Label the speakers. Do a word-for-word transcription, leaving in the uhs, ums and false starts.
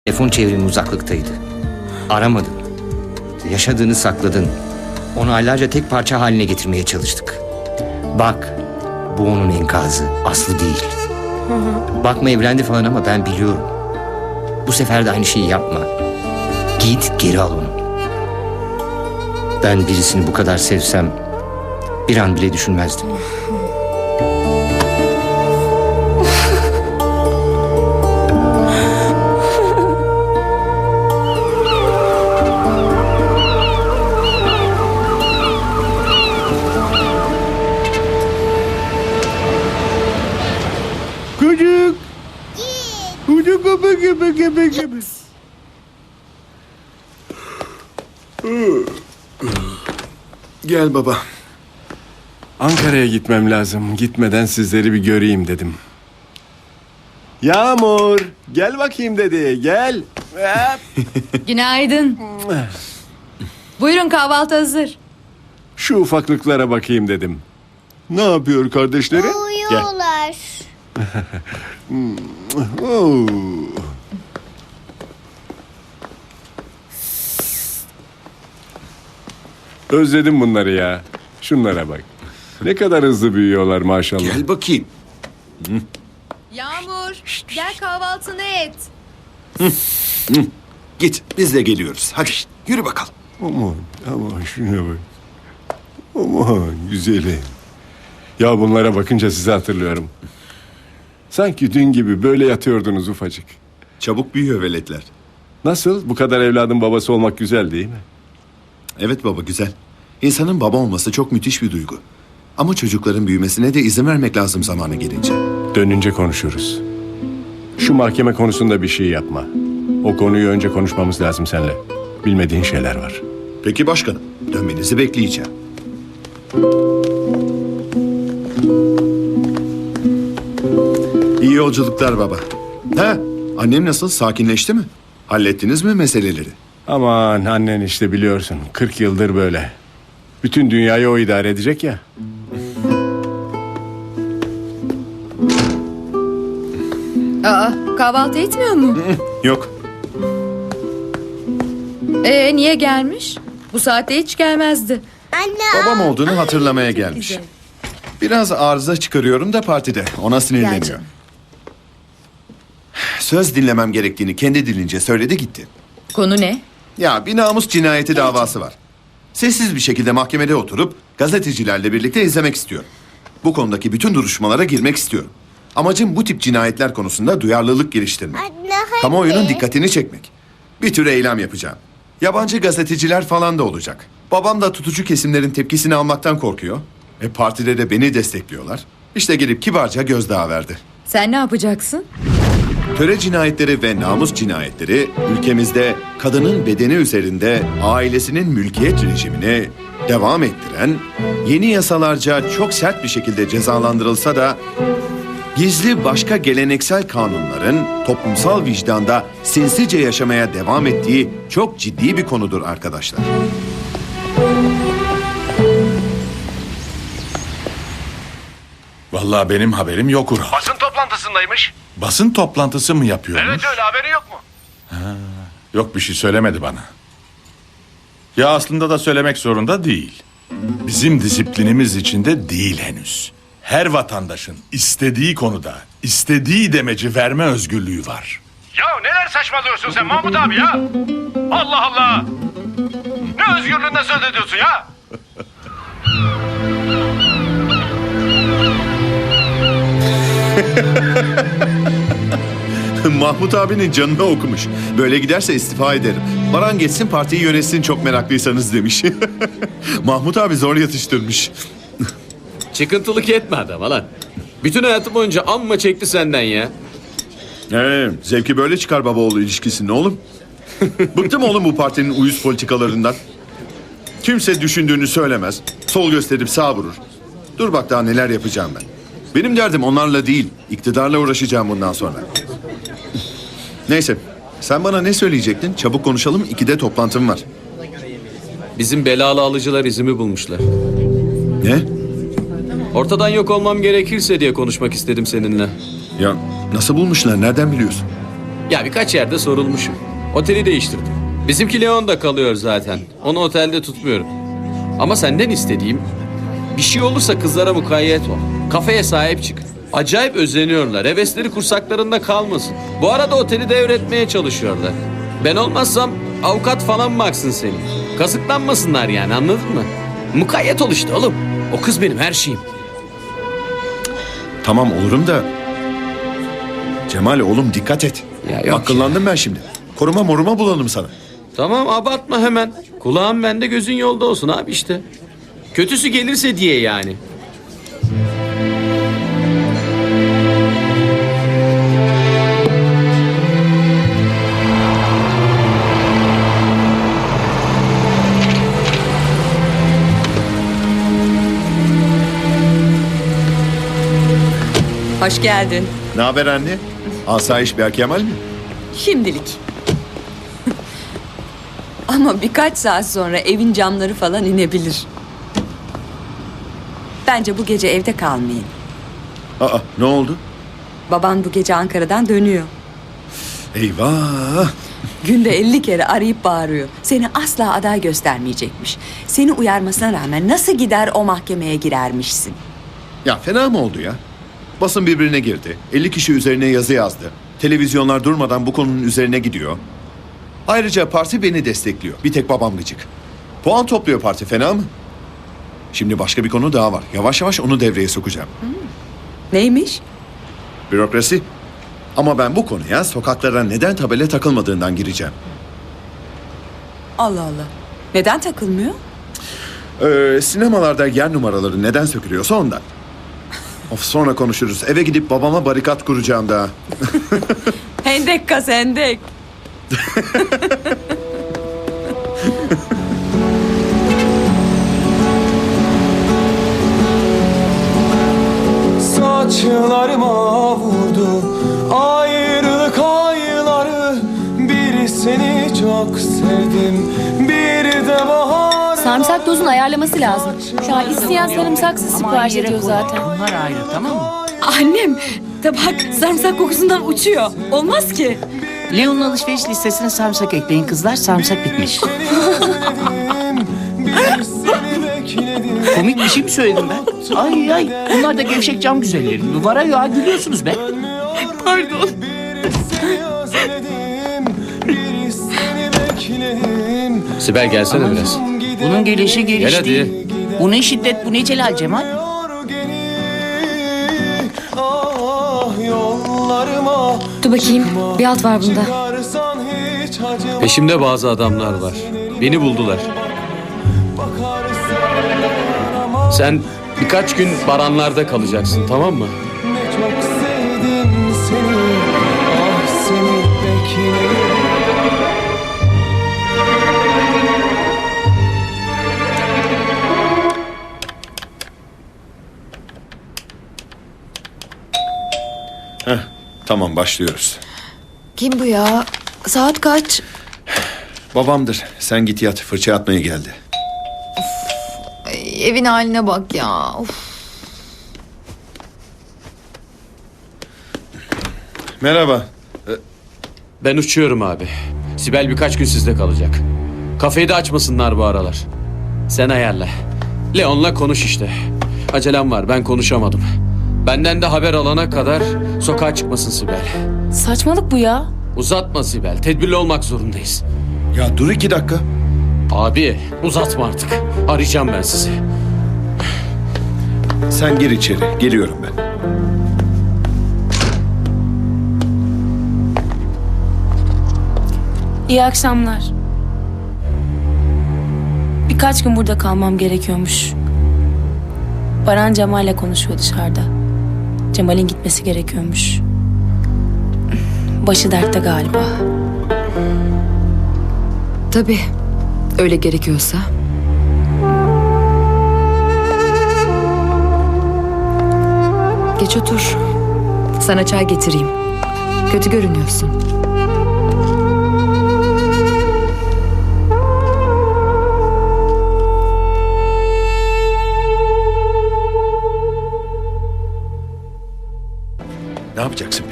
Speaker 1: Telefon çevrimi uzaklıktaydı. Aramadın. Yaşadığını sakladın. Onu aylarca tek parça haline getirmeye çalıştık. Bak, bu onun enkazı, Aslı değil. Bakma evlendi falan ama ben biliyorum. Bu sefer de aynı şeyi yapma. Git geri al onu. Ben birisini bu kadar sevsem bir an bile düşünmezdim.
Speaker 2: Çocuk. Çocuk gibi gibi gibi gibi.
Speaker 3: Gel baba. Ankara'ya gitmem lazım. Gitmeden sizleri bir göreyim dedim. Yağmur, gel bakayım dedi. Gel.
Speaker 4: Günaydın. Buyurun, kahvaltı hazır.
Speaker 3: Şu ufaklıklara bakayım dedim. Ne yapıyor kardeşleri?
Speaker 5: Uyuyorlar.
Speaker 3: Oo. Özledim bunları ya. Şunlara bak. Ne kadar hızlı büyüyorlar maşallah.
Speaker 2: Gel bakayım.
Speaker 4: Yağmur, gel kahvaltını et.
Speaker 2: Git, biz de geliyoruz. Hadi yürü bakalım.
Speaker 3: Aman aman şuna bak. Aman güzelim. Ya bunlara bakınca sizi hatırlıyorum. Sanki dün gibi böyle yatıyordunuz ufacık.
Speaker 2: Çabuk büyüyor veletler.
Speaker 3: Nasıl? Bu kadar evladın babası olmak güzel değil mi?
Speaker 2: Evet baba, güzel. İnsanın baba olması çok müthiş bir duygu. Ama çocukların büyümesine de izin vermek lazım zamanı gelince.
Speaker 3: Dönünce konuşuruz. Şu mahkeme konusunda bir şey yapma. O konuyu önce konuşmamız lazım seninle. Bilmediğin şeyler var.
Speaker 2: Peki başkanım, dönmenizi bekleyeceğim. İyi yolculuklar baba. Ha, annem nasıl? Sakinleşti mi? Hallettiniz mi meseleleri?
Speaker 3: Aman annen işte biliyorsun. kırk yıldır böyle. Bütün dünyayı o idare edecek ya.
Speaker 4: Aa, kahvaltı etmiyor mu?
Speaker 2: Yok.
Speaker 4: Ee, niye gelmiş? Bu saatte hiç gelmezdi.
Speaker 5: Anne.
Speaker 2: Babam olduğunu hatırlamaya gelmiş.
Speaker 4: güzel.
Speaker 2: Biraz arıza çıkarıyorum da partide. Ona
Speaker 4: Gel
Speaker 2: sinirleniyor.
Speaker 4: canım.
Speaker 2: Söz dinlemem gerektiğini kendi dilince söyledi gitti.
Speaker 4: Konu ne?
Speaker 2: Ya bir namus cinayeti davası var. Sessiz bir şekilde mahkemede oturup gazetecilerle birlikte izlemek istiyorum. Bu konudaki bütün duruşmalara girmek istiyorum. Amacım bu tip cinayetler konusunda duyarlılık geliştirmek.
Speaker 5: Anne hadi.
Speaker 2: Kamuoyunun dikkatini çekmek. Bir tür eylem yapacağım. Yabancı gazeteciler falan da olacak. Babam da tutucu kesimlerin tepkisini almaktan korkuyor. E partide de beni destekliyorlar. İşte gelip kibarca gözdağı verdi.
Speaker 4: Sen ne yapacaksın?
Speaker 2: Töre cinayetleri ve namus cinayetleri ülkemizde kadının bedeni üzerinde ailesinin mülkiyet rejimini devam ettiren, yeni yasalarca çok sert bir şekilde cezalandırılsa da gizli başka geleneksel kanunların toplumsal vicdanda sinsice yaşamaya devam ettiği çok ciddi bir konudur arkadaşlar.
Speaker 6: Vallahi benim haberim yok Ural.
Speaker 7: Basın toplantısındaymış.
Speaker 6: Basın toplantısı mı yapıyormuş?
Speaker 7: Evet öyle, haberi yok mu?
Speaker 6: Yok, bir şey söylemedi bana. Ya aslında da söylemek zorunda değil. Bizim disiplinimiz içinde değil henüz. Her vatandaşın istediği konuda istediği demeci verme özgürlüğü var.
Speaker 7: Ya neler saçmalıyorsun sen Mahmut abi ya? Allah Allah! Ne özgürlüğünden söz ediyorsun ya?
Speaker 2: Mahmut abinin canına okumuş. Böyle giderse istifa ederim. Baran geçsin partiyi yönetsin çok meraklıysanız demiş. Mahmut abi zor yatıştırmış.
Speaker 8: Çıkıntılık etme adama lan. Bütün hayatım boyunca amma çekti senden ya.
Speaker 2: Ee, zevki böyle çıkar baba oğlu ilişkisinde oğlum. Bıktım oğlum bu partinin uyuz politikalarından. Kimse düşündüğünü söylemez. Sol gösterip sağ vurur. Dur bak daha neler yapacağım ben. Benim derdim onlarla değil, iktidarla uğraşacağım bundan sonra. Neyse, sen bana ne söyleyecektin? Çabuk konuşalım, ikide toplantım var.
Speaker 8: Bizim belalı alıcılar izimi bulmuşlar.
Speaker 2: Ne?
Speaker 8: Ortadan yok olmam gerekirse diye konuşmak istedim seninle.
Speaker 2: Ya nasıl bulmuşlar, nereden biliyorsun?
Speaker 8: Ya birkaç yerde sorulmuşum. Oteli değiştirdim. Bizimki Leon'da kalıyor zaten. Onu otelde tutmuyorum. Ama senden istediğim bir şey olursa kızlara mukayyet ol. Kafeye sahip çık. Acayip özeniyorlar. Hevesleri kursaklarında kalmasın. Bu arada oteli devretmeye çalışıyorlar. Ben olmazsam avukat falan baksın seni. Kazıklanmasınlar yani, anladın mı? Mukayyet ol işte oğlum. O kız benim her şeyim.
Speaker 2: Tamam olurum da... Cemal oğlum dikkat et.
Speaker 8: Ya yok
Speaker 2: Akıllandım ben şimdi. Koruma moruma bulalım sana.
Speaker 8: Tamam, abartma hemen. Kulağın bende, gözün yolda olsun abi işte. Kötüsü gelirse diye yani.
Speaker 5: Hoş geldin.
Speaker 2: Ne haber anne? Asayiş Berkemal mi?
Speaker 5: Şimdilik. Ama birkaç saat sonra evin camları falan inebilir. Bence bu gece evde kalmayın.
Speaker 2: Aa ne oldu?
Speaker 5: Baban bu gece Ankara'dan dönüyor.
Speaker 2: Eyvah!
Speaker 5: Günde elli kere arayıp bağırıyor. Seni asla aday göstermeyecekmiş. Seni uyarmasına rağmen nasıl gider o mahkemeye girermişsin.
Speaker 2: Ya fena mı oldu ya? Basın birbirine girdi. elli kişi üzerine yazı yazdı. Televizyonlar durmadan bu konunun üzerine gidiyor. Ayrıca parti beni destekliyor. Bir tek babam gıcık. Puan topluyor parti, fena mı? Şimdi başka bir konu daha var. Yavaş yavaş onu devreye sokacağım.
Speaker 5: Neymiş?
Speaker 2: Bürokrasi. Ama ben bu konuya sokaklara neden tabela takılmadığından gireceğim.
Speaker 5: Allah Allah. Neden takılmıyor?
Speaker 2: Ee, sinemalarda yer numaraları neden sökülüyorsa ondan. Of, sonra konuşuruz. Eve gidip babama barikat kuracağım daha.
Speaker 5: Hendek kaz hendek.
Speaker 9: Saçlarıma vurdu ayrılık ayları. Bir seni çok sevdim, bir de bahar.
Speaker 10: Sarımsak dozunu ayarlaması lazım. Şu an isteyen sarımsaksız sipariş ediyor zaten.
Speaker 11: Bunlar ayrı, tamam mı?
Speaker 5: Annem tabak sarımsak kokusundan uçuyor. Olmaz ki.
Speaker 11: Leon'un alışveriş listesine sarımsak ekleyin kızlar. Sarımsak bitmiş. Komik bir şey mi söyledim ben? Ay ay. Bunlar da gevşek cam güzelleri. Var ya, gülüyorsunuz be.
Speaker 5: Pardon.
Speaker 8: Sibel gelsene biraz.
Speaker 11: Bunun gelişi geliş
Speaker 8: Gel hadi.
Speaker 11: değil. Bu ne şiddet, bu ne celal Cemal?
Speaker 10: Dur bakayım. Bir alt var bunda.
Speaker 8: Peşimde bazı adamlar var. Beni buldular. Sen birkaç gün baranlarda kalacaksın, tamam mı?
Speaker 9: Çok sevdim seni, ah seni beklerim.
Speaker 2: Heh, tamam başlıyoruz.
Speaker 4: Kim bu ya? Saat kaç?
Speaker 2: Babamdır. Sen git yat. Fırça atmaya geldi.
Speaker 4: Ay, evin haline bak ya. Of.
Speaker 2: Merhaba.
Speaker 8: Ben uçuyorum abi. Sibel birkaç gün sizde kalacak. Kafeyi de açmasınlar bu aralar. Sen ayarla. Leon'la konuş işte. Acelem var, ben konuşamadım. Benden de haber alana kadar sokağa çıkmasın Sibel.
Speaker 10: Saçmalık bu ya.
Speaker 8: Uzatma Sibel, tedbirli olmak zorundayız.
Speaker 2: Ya dur iki dakika.
Speaker 8: Abi uzatma artık. Arayacağım ben sizi.
Speaker 2: Sen gir içeri. Geliyorum ben.
Speaker 10: İyi akşamlar. Birkaç gün burada kalmam gerekiyormuş. Baran Cemal'le konuşuyor dışarıda. Cemal'in gitmesi gerekiyormuş. Başı dertte galiba.
Speaker 4: Tabii. Öyle gerekiyorsa. Geç otur. Sana çay getireyim. Kötü görünüyorsun.
Speaker 2: Ne yapacaksın